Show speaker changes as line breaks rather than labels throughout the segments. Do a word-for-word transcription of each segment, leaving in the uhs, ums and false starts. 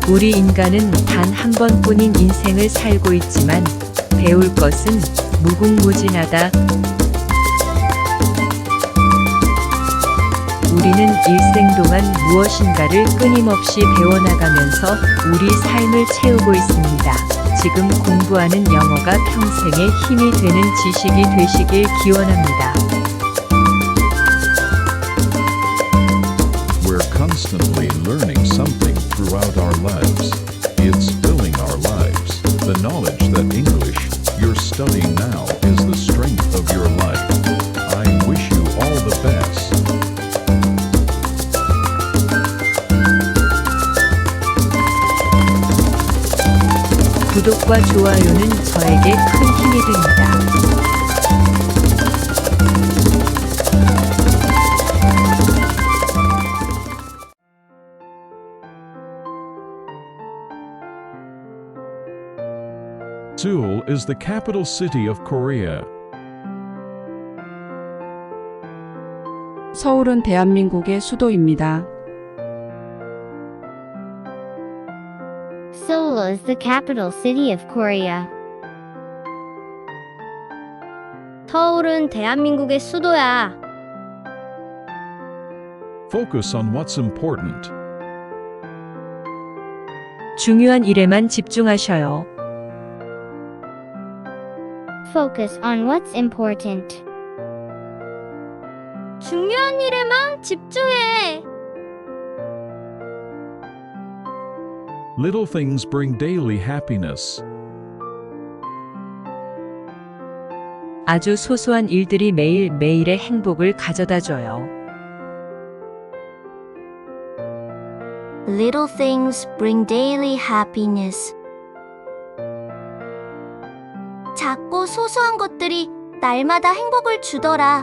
우리 인간은 단 한 번뿐인 인생을 살고 있지만 배울 것은 무궁무진하다. 우리는 일생 동안 무엇인가를 끊임없이 배워나가면서 우리 삶을 채우고 있습니다. 지금 공부하는 영어가 평생의 힘이 되는 지식이 되시길 기원합니다.
We're constantly learning something throughout our lives. It's filling our lives. The knowledge that English you're studying now is the strength of your life. I wish you all the best.
구독과 좋아요는 저에게 큰 힘이 됩니다.
Seoul is the capital city of Korea.
서울은 대한민국의 수도입니다.
Seoul is the capital city of Korea.
서울은 대한민국의 수도야.
Focus on what's important.
중요한 일에만 집중하셔요.
Focus on what's important.
중요한 일에만 집중해.
Little things bring daily happiness.
아주 소소한 일들이 매일매일의 행복을 가져다 줘요.
Little things bring daily happiness. 작고 소소한 것들이 날마다 행복을 주더라.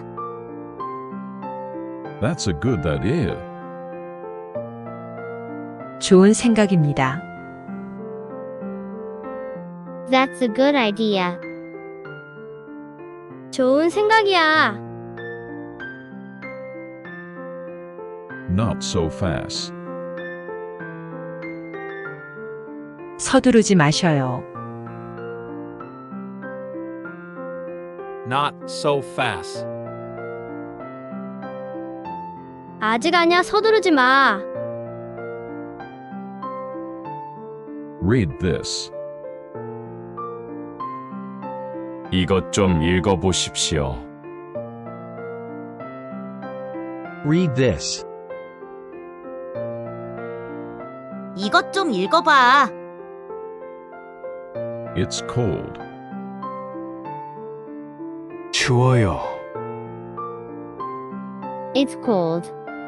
That's a good idea.
좋은 생각입니다.
That's a good idea.
좋은 생각이야.
Not so fast.
서두르지 마셔요.
Not so fast.
아직 아니야. 서두르지 마.
Read this.
이것 좀 읽어보십시오.
Read this.
이것 좀 읽어봐.
It's cold.
추워요.
It's cold.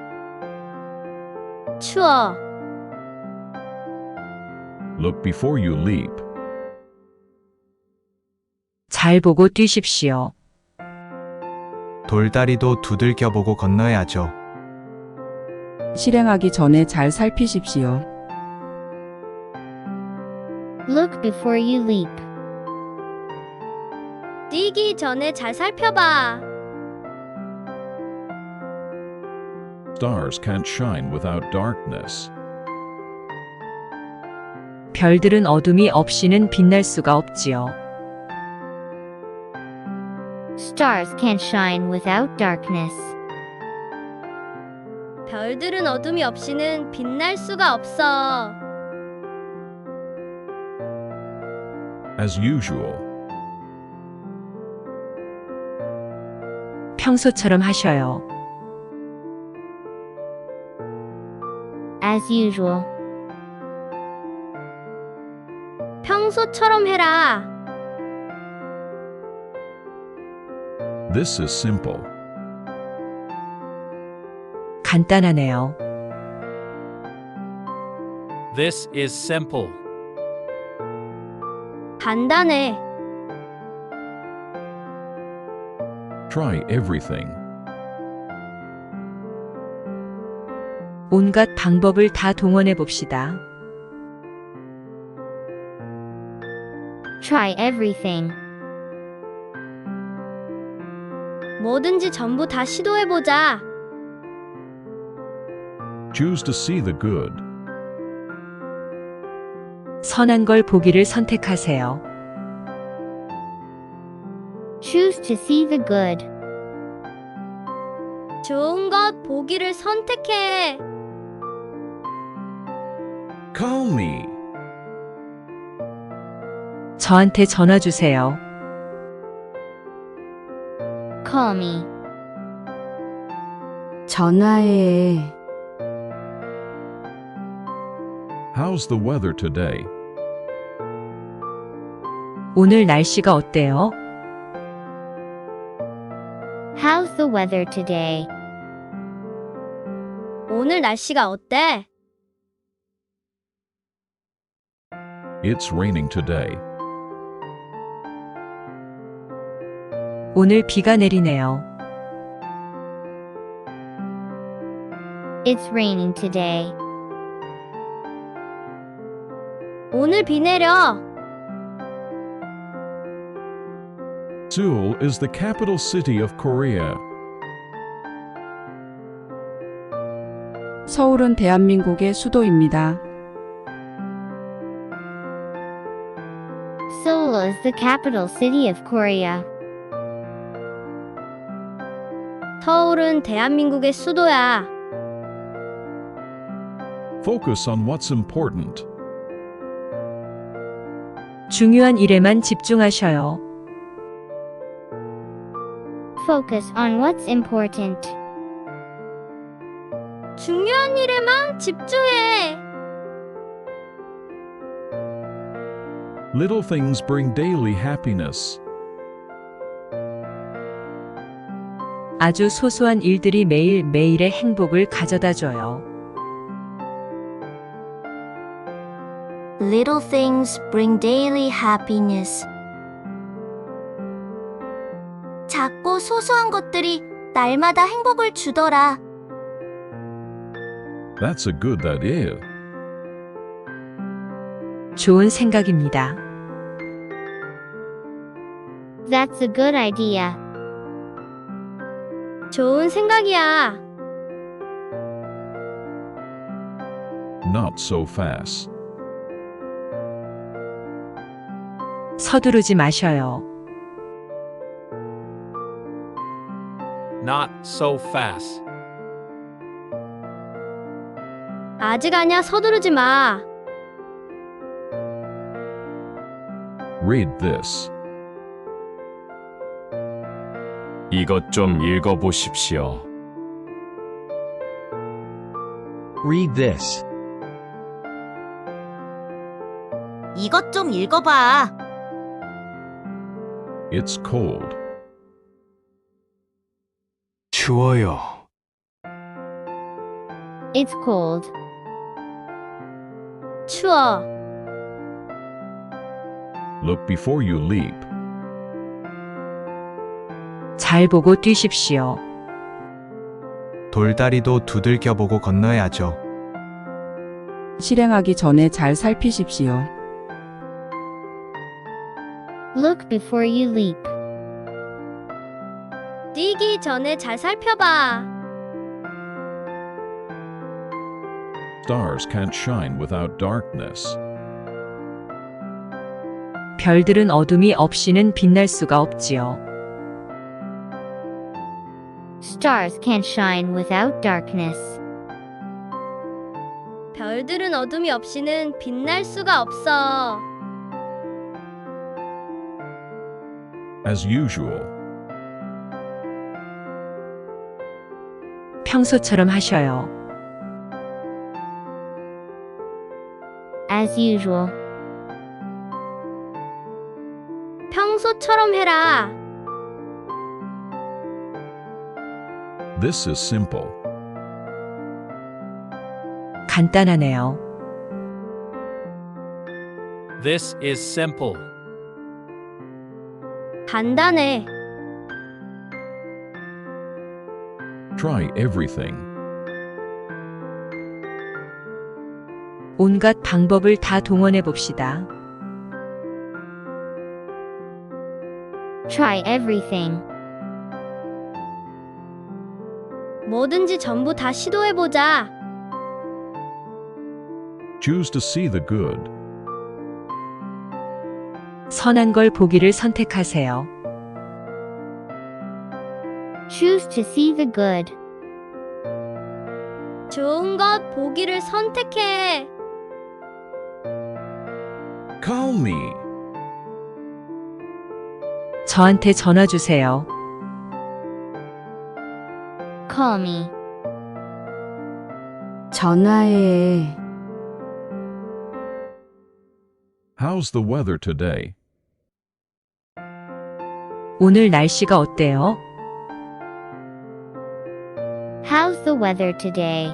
추워.
Look before you leap.
잘 보고 뛰십시오.
돌다리도 두들겨보고 건너야죠.
실행하기 전에 잘 살피십시오.
Look before you leap.
뛰기 전에 잘 살펴봐.
Stars can't shine without darkness.
별들은 어둠이 없이는 빛날 수가 없지요.
Stars can't shine without darkness.
별들은 어둠이 없이는 빛날 수가 없어.
As usual.
평소처럼 하셔요.
As usual.
평소처럼 해라.
This is simple.
간단하네요.
This is simple.
간단해.
Try everything.
온갖 방법을 다 동원해 봅시다.
Try everything.
뭐든지 전부 다 시도해보자.
Choose to see the good.
선한 걸 보기를 선택하세요.
Choose to see the good.
좋은 것 보기를 선택해.
Call me.
저한테 전화 주세요.
Call me.
전화해.
How's the weather today?
오늘 날씨가 어때요?
How's the weather today?
오늘 날씨가 어때?
It's raining today.
오늘 비가 내리네요.
It's raining today.
오늘 비 내려.
Seoul is the capital city of Korea.
서울은 대한민국의 수도입니다.
Seoul is the capital city of Korea.
서울은 대한민국의 수도야.
Focus on what's important.
중요한 일에만 집중하셔요.
Focus on what's important.
중요한 일에만 집중해.
Little things bring daily happiness.
아주 소소한 일들이 매일매일의 행복을 가져다 줘요.
Little things bring daily happiness. 작고 소소한 것들이 날마다 행복을 주더라.
That's a good idea.
좋은 생각입니다.
That's a good idea.
좋은 생각이야.
Not so fast.
서두르지 마셔요.
Not so fast.
아직 아니야. 서두르지 마.
Read this.
이것 좀 읽어보십시오.
Read this.
이것 좀 읽어봐.
It's cold.
추워요.
It's cold.
추워.
Look before you leap.
잘 보고 뛰십시오.
돌다리도 두들겨보고 건너야죠.
실행하기 전에 잘 살피십시오.
Look before you leap.
뛰기 전에 잘 살펴봐.
Stars can't shine without darkness.
별들은 어둠이 없이는 빛날 수가 없지요.
Stars can't shine without darkness.
별들은 어둠이 없이는 빛날 수가 없어.
As usual.
평소처럼 하셔요.
As usual.
평소처럼 해라.
This is simple.
간단하네요.
This is simple.
간단해.
Try everything.
온갖 방법을 다 동원해 봅시다.
Try everything.
뭐든지 전부 다 시도해보자.
Choose to see the good.
선한 걸 보기를 선택하세요.
Choose to see the good.
좋은 것 보기를 선택해.
Call me.
저한테 전화 주세요.
Call me.
전화해.
How's the weather today?
오늘 날씨가 어때요?
How's the weather today?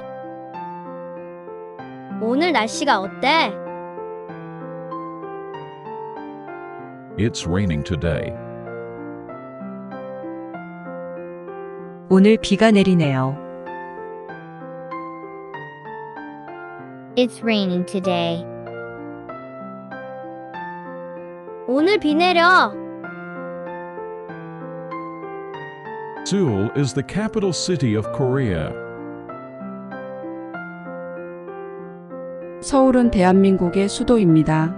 오늘 날씨가 어때?
It's raining today.
오늘 비가 내리네요.
It's raining today.
오늘 비 내려.
Seoul is the capital city of Korea.
서울은 대한민국의 수도입니다.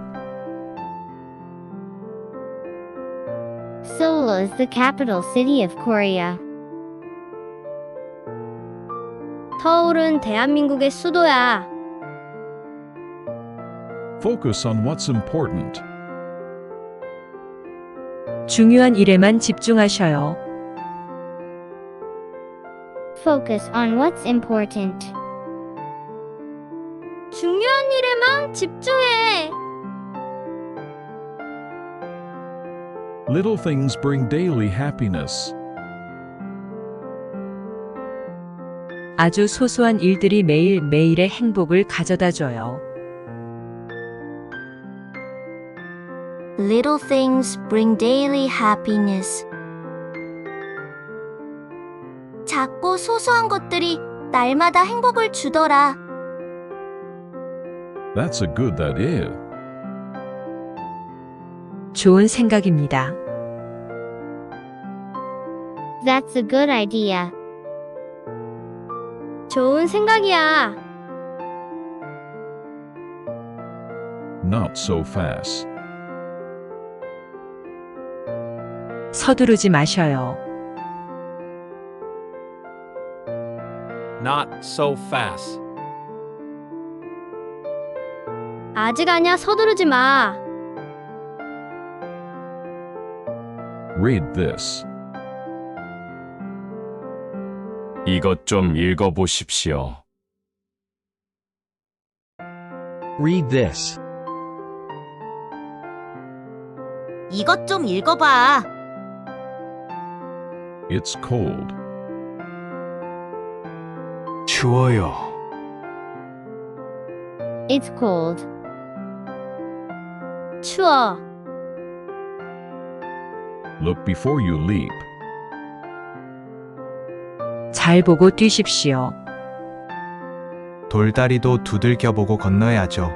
Seoul is the capital city of Korea.
서울은 대한민국의 수도야.
Focus on what's important.
중요한 일에만 집중하셔요.
Focus on what's important.
중요한 일에만 집중해.
Little things bring daily happiness.
아주 소소한 일들이 매일매일의 행복을 가져다 줘요.
Little things bring daily happiness. 작고 소소한 것들이 날마다 행복을 주더라.
That's a good idea.
좋은 생각입니다.
That's a good idea.
좋은 생각이야.
Not so fast.
서두르지 마셔요.
Not so fast.
아직 아니야. 서두르지 마.
Read this.
이것 좀 읽어보십시오.
Read this.
이것 좀 읽어봐.
It's cold.
추워요.
It's cold.
추워.
Look before you leap.
잘 보고 뛰십시오.
돌다리도 두들겨 보고 건너야죠.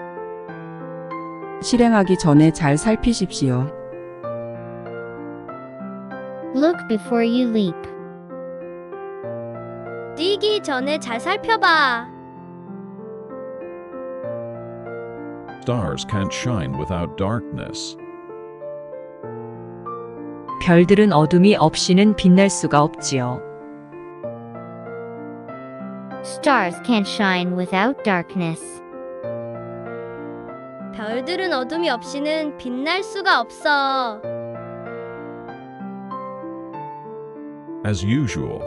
실행하기 전에 잘 살피십시오.
Look before you leap.
뛰기 전에 잘 살펴봐.
Stars can't shine without darkness.
별들은 어둠이 없이는 빛날 수가 없지요.
Stars can't shine without darkness.
별들은 어둠이 없이는 빛날 수가 없어.
As usual.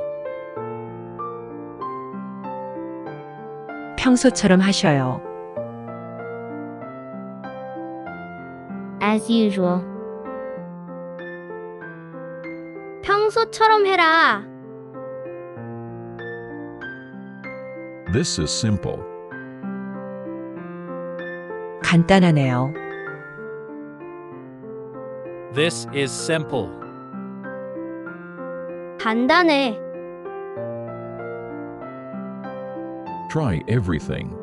평소처럼 하셔요.
As usual.
평소처럼 해라.
This is simple.
간단하네요.
This is simple.
간단해.
Try everything.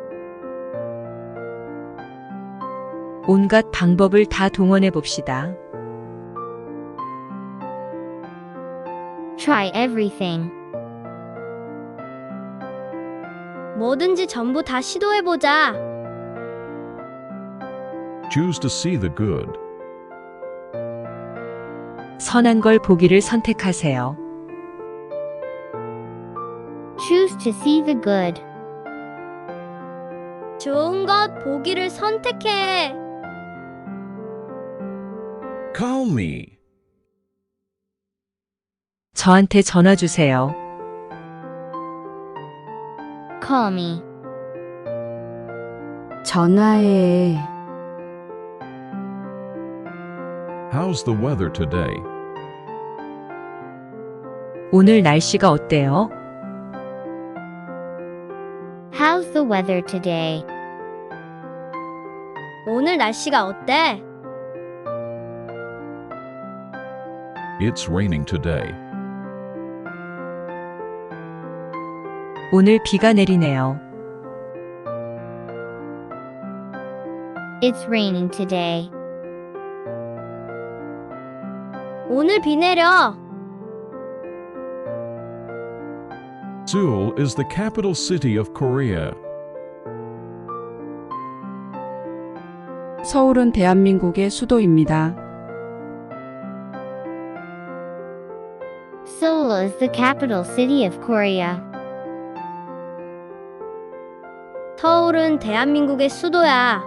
온갖 방법을 다 동원해 봅시다.
Try everything.
뭐든지 전부 다 시도해보자.
Choose to see the good.
선한 걸 보기를 선택하세요.
Choose to see the good.
좋은 것 보기를 선택해.
Call me.
저한테 전화 주세요.
Call me.
전화해.
How's the weather today?
오늘 날씨가 어때요?
How's the weather today?
오늘 날씨가 어때?
It's raining today.
오늘 비가 내리네요.
It's raining today.
오늘 비 내려.
Seoul is the capital city of Korea.
서울은 대한민국의 수도입니다.
Seoul is the capital city of Korea.
서울은 대한민국의 수도야.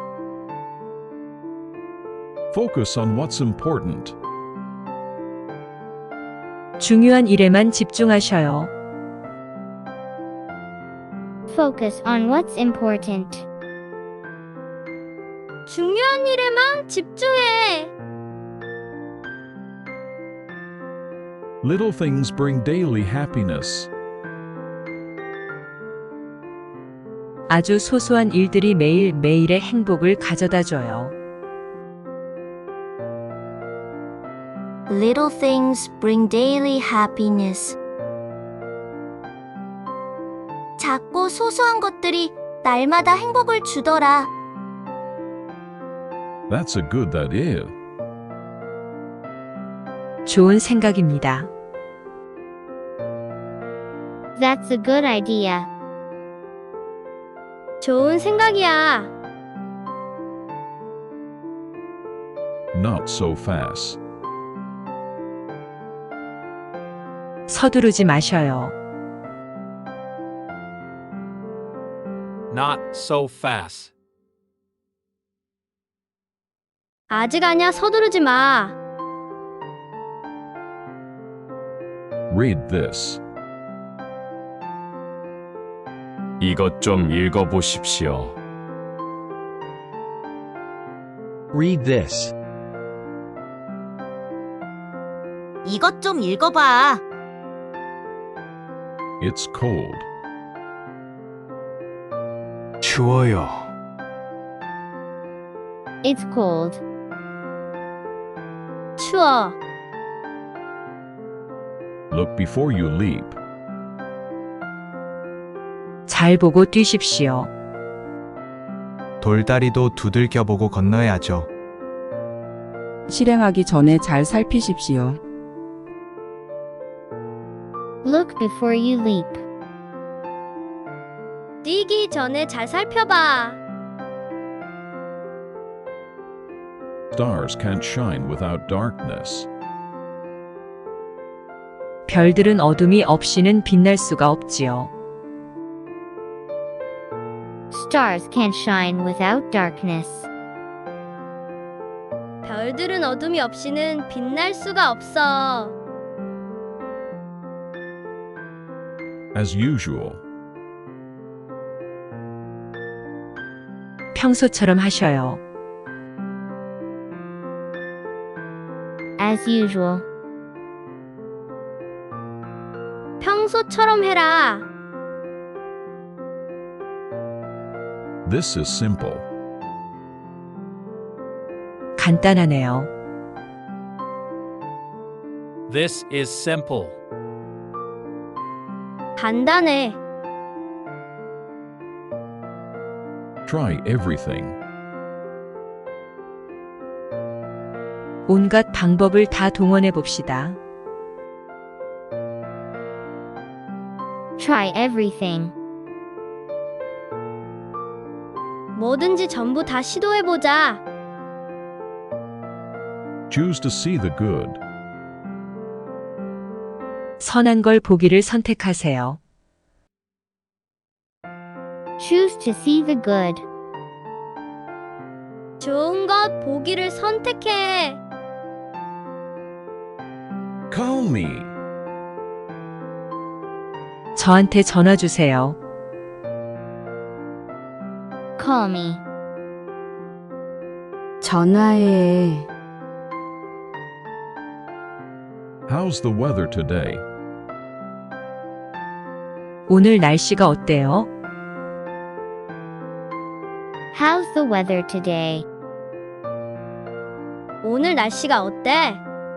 Focus on what's important.
중요한 일에만 집중하셔요.
Focus on what's important.
중요한 일에만 집중해.
Little things bring daily happiness.
아주 소소한 일들이 매일 매일의 행복을 가져다 줘요.
Little things bring daily happiness. 작고 소소한 것들이 날마다 행복을 주더라.
That's a good idea.
좋은 생각입니다.
That's a good idea.
좋은 생각이야.
Not so fast.
서두르지 마셔요.
Not so fast.
아직 아니야. 서두르지 마.
Read this.
이것 좀 읽어보십시오.
Read this.
이것 좀 읽어봐.
It's cold.
추워요.
It's cold.
추워.
Look before you leap.
잘 보고 뛰십시오.
돌다리도 두들겨보고 건너야죠.
실행하기 전에 잘 살피십시오.
Look before you leap.
뛰기 전에 잘 살펴봐.
Stars can't shine without darkness.
별들은 어둠이 없이는 빛날 수가 없지요.
Stars can't shine without darkness.
별들은 어둠이 없이는 빛날 수가 없어.
As usual.
평소처럼 하셔요.
As usual.
평소처럼 해라.
This is simple.
간단하네요.
This is simple.
간단해.
Try everything.
온갖 방법을 다 동원해 봅시다.
Try everything.
뭐든지 전부 다 시도해보자.
Choose to see the good.
선한 걸 보기를 선택하세요.
Choose to see the good.
좋은 것 보기를 선택해.
Call me.
저한테 전화 주세요.
Call me.
전화해.
How's the weather today?
오늘 날씨가 어때요?
How's the weather today?
오늘 날씨가 어때?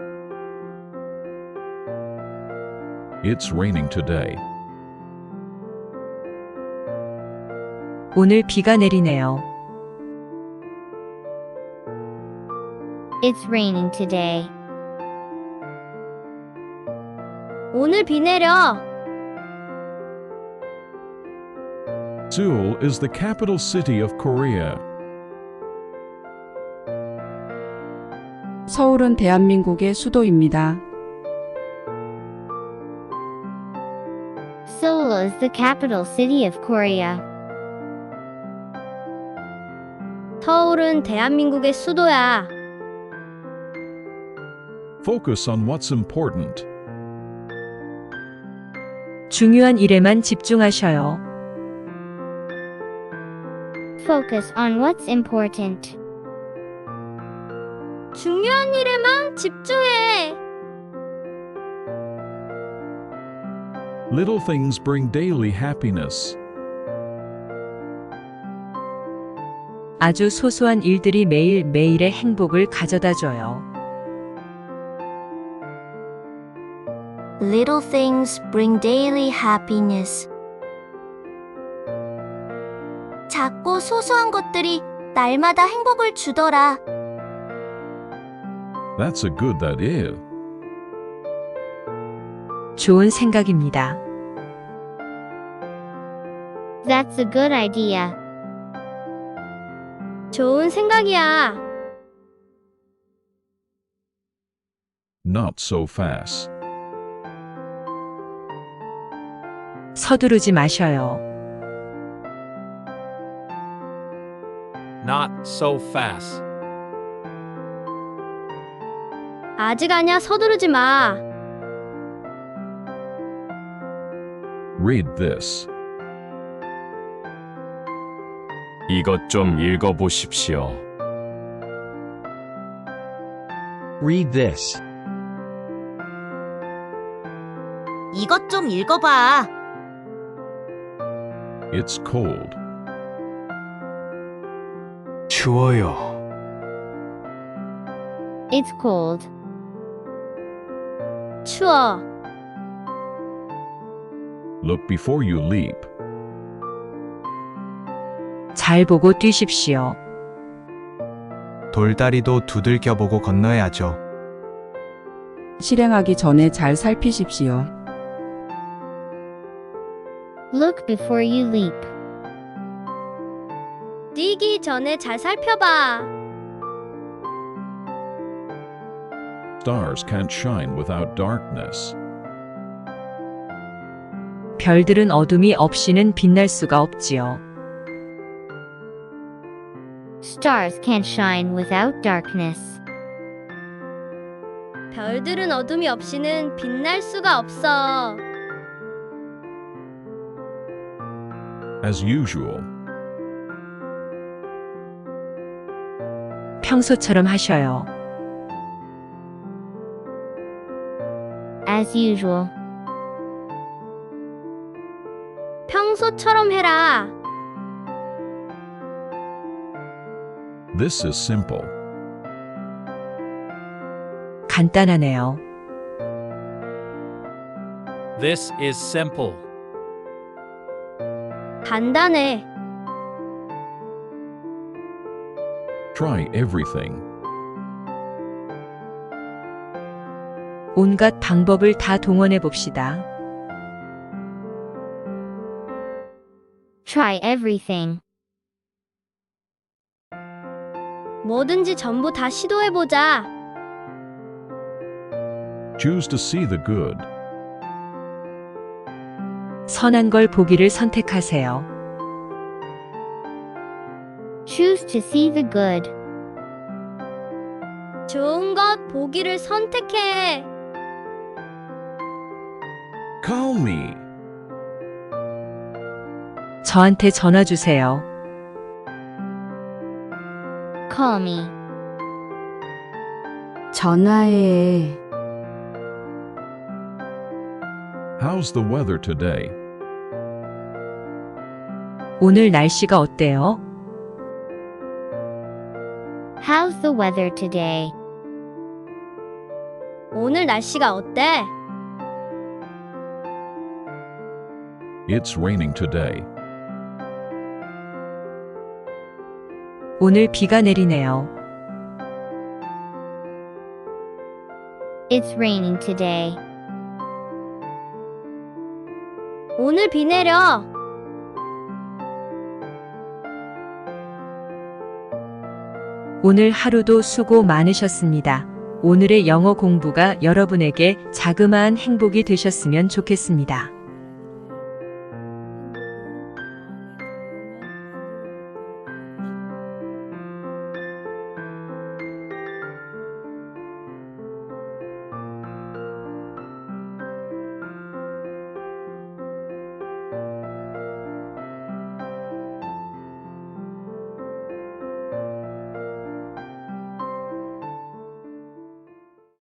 It's raining today.
오늘 비가 내리네요.
It's raining today.
오늘 비 내려.
Seoul is the capital city of Korea.
서울은 대한민국의 수도입니다.
Seoul is the capital city of Korea.
서울은 대한민국의 수도야.
Focus on what's important.
중요한 일에만 집중하셔요.
Focus on what's important.
중요한 일에만 집중해.
Little things bring daily happiness.
아주 소소한 일들이 매일 매일의 행복을 가져다 줘요.
Little things bring daily happiness. 작고 소소한 것들이 날마다 행복을 주더라.
That's a good that is.
좋은 생각입니다.
That's a good idea.
좋은 생각이야.
Not so fast.
서두르지 마셔요.
Not so fast.
아직 아니야. 서두르지 마.
Read this.
이것 좀 읽어보십시오.
Read this.
이것 좀 읽어봐.
It's cold.
추워요.
It's cold.
추워.
Look before you leap.
잘 보고 뛰십시오.
돌다리도 두들겨보고 건너야죠.
실행하기 전에 잘 살피십시오.
Look before you leap.
뛰기 전에 잘 살펴봐.
Stars can't shine without darkness.
별들은 어둠이 없이는 빛날 수가 없지요.
Stars can't shine without darkness.
별들은 어둠이 없이는 빛날 수가 없어.
As usual.
평소처럼 하셔요.
As usual.
평소처럼 해라.
This is simple.
간단하네요.
This is simple.
간단해.
Try everything.
온갖 방법을 다 동원해 봅시다.
Try everything.
뭐든지 전부 다 시도해보자.
Choose to see the good.
선한 걸 보기를 선택하세요.
Choose to see the good.
좋은 것 보기를 선택해.
Call me.
저한테 전화 주세요.
Call me.
전화해.
How's the weather today?
오늘 날씨가 어때요?
How's the weather today?
오늘 날씨가 어때?
It's raining today.
오늘 비가 내리네요.
It's raining today.
오늘 비 내려.
오늘 하루도 수고 많으셨습니다. 오늘의 영어 공부가 여러분에게 자그마한 행복이 되셨으면 좋겠습니다.